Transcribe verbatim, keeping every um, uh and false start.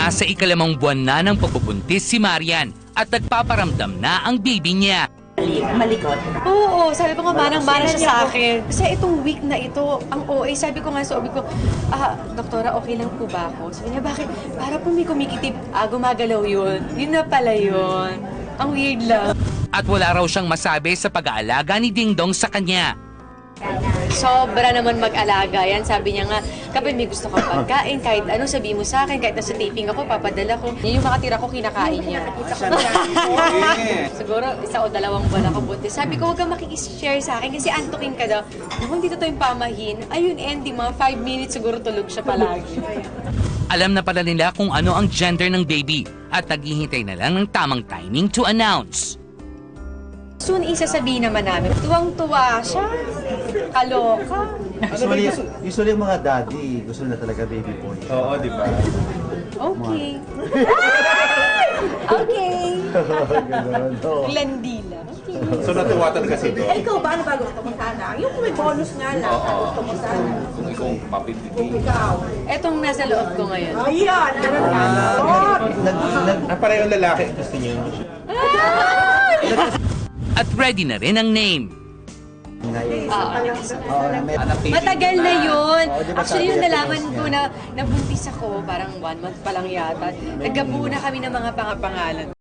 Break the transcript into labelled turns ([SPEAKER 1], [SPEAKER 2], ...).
[SPEAKER 1] Nasa ikalimang buwan na ng pagbubuntis si Marian at nagpaparamdam na ang baby niya.
[SPEAKER 2] Malikot.
[SPEAKER 3] Oo, sabi ko nga, manang-mana siya sa akin. Kasi itong week na ito, ang O A, sabi ko nga sa O B ko, ah, doktora, okay lang po ba ako? Sabi niya, bakit? Para po may kumikitib, ah, gumagalaw yun. Yun na pala yun. Ang weird lang.
[SPEAKER 1] At wala raw siyang masabi sa pag-aalaga ni Ding Dong sa kanya.
[SPEAKER 3] Sobra naman mag-alaga yan. Sabi niya nga, kapag may gusto kang pagkain, kahit ano, sabihin mo sa akin, kahit nasa taping ako, papadala ko. Yun yung makatira ko, kinakain niya. Siguro, isa o dalawang buwan ako buntis. Sabi ko, huwag kang makikishare sa akin kasi antukin ka daw. Kung dito to yung pamahin, ayun, ending, mga five minutes siguro tulog siya palagi.
[SPEAKER 1] Alam na pala nila kung ano ang gender ng baby at naghihintay na lang ng tamang timing to announce.
[SPEAKER 3] Soon, isasabihin naman namin, tuwang-tuwa siya, kaloka.
[SPEAKER 4] Usually, usually yung mga daddy, gusto na talaga baby boy.
[SPEAKER 5] Oo, di ba?
[SPEAKER 3] Okay. Okay.
[SPEAKER 4] Ganun, oo.
[SPEAKER 3] Landila. Okay.
[SPEAKER 5] So natuwa talaga si Dong.
[SPEAKER 2] Eh, ikaw ba? Ano ba gusto mo sana? Yung may bonus nga lang.
[SPEAKER 5] Oo.
[SPEAKER 2] Gusto mo sana.
[SPEAKER 5] Kung ikaw
[SPEAKER 2] Kung
[SPEAKER 5] papibigay.
[SPEAKER 2] ikaw.
[SPEAKER 3] Etong nasa loob ko ngayon.
[SPEAKER 2] Ayan! Ganun ka.
[SPEAKER 4] Nag, nag,
[SPEAKER 5] Ah, parehong lalaki gusto niyo.
[SPEAKER 1] At ready na rin ang name.
[SPEAKER 3] Ah,
[SPEAKER 4] Oo, na may-
[SPEAKER 3] matagal na yun.
[SPEAKER 4] Oo, di ba
[SPEAKER 3] Actually,
[SPEAKER 4] sabi
[SPEAKER 3] yung
[SPEAKER 4] niya,
[SPEAKER 3] nalaman
[SPEAKER 4] pinost
[SPEAKER 3] ko
[SPEAKER 4] niya.
[SPEAKER 3] na nabuntis ako, parang one month pa lang yata. Nagkabuo na kami ng mga pangapangalan.